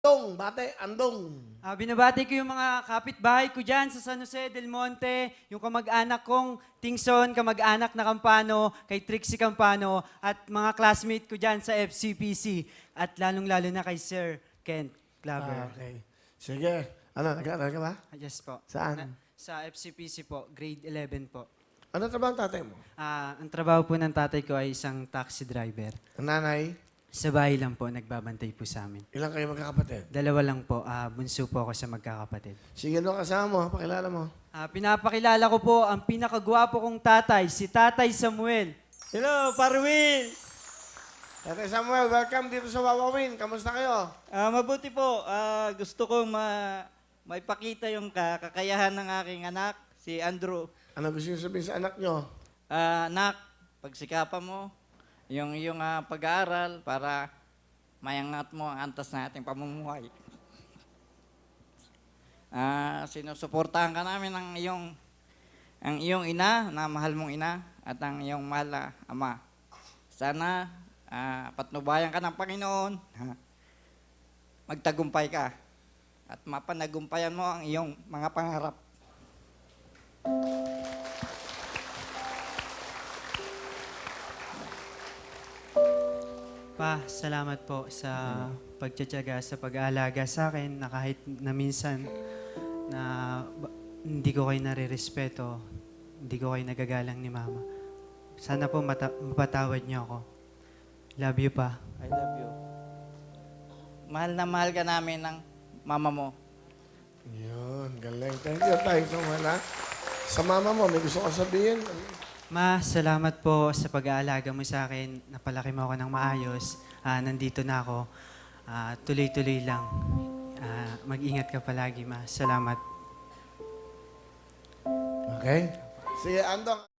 Andong, bate, andong. Binabati ko yung mga kapitbahay ko dyan sa San Jose del Monte, yung kamag-anak kong Tingson, kamag-anak na Campano, kay Trixie Campano, at mga classmate ko dyan sa FCPC, at lalong-lalo na kay Sir Kent Claver. Okay. Sige. Ano, nag-aaral ka ba? Yes po. Saan? Sa FCPC po, grade 11 po. Ano trabaho ang tatay mo? Ang trabaho po ng tatay ko ay isang taxi driver. Ang nanay? Sa bahay lang po, nagbabantay po sa amin. Ilang kayo magkakapatid? Dalawa lang po, bunso po ako sa magkakapatid. Sige, ano kasama mo? Pakilala mo. Pinapakilala ko po ang pinakagwapo kong tatay, si Tatay Samuel. Hello, Parwin! Tatay Samuel, welcome dito sa Wawawin. Kamusta kayo? Mabuti po. Gusto kong maipakita yung kakayahan ng aking anak, si Andrew. Ano gusto niyo sabihin sa anak nyo? Anak, pagsikapan mo yung iyong pag-aaral para mayangat mo ang antas na ating pamumuhay. Sinusuportahan ka namin ang iyong ina, na mahal mong ina, at ang iyong mahal na ama. Sana patnubayan ka ng Panginoon, magtagumpay ka, at mapanagumpayan mo ang iyong mga pangarap. Pa, salamat po sa pagtsatsaga, sa pag-aalaga sa akin na kahit na minsan na hindi ko kayo nare-respeto, hindi ko kayo nagagalang ni Mama. Sana po mapatawad niyo ako. Love you, Pa. I love you. Mahal na mahal ka namin ng mama mo. Yun, galing. Thank you, Tay Samuel, ha? Sa mama mo, may gusto ka sabihin? Ma, salamat po sa pag-aalaga mo sa akin. Napalaki mo ako ng maayos. Nandito na ako. Tuloy-tuloy lang. Mag-ingat ka palagi, Ma. Salamat. Okay? Sige, andong.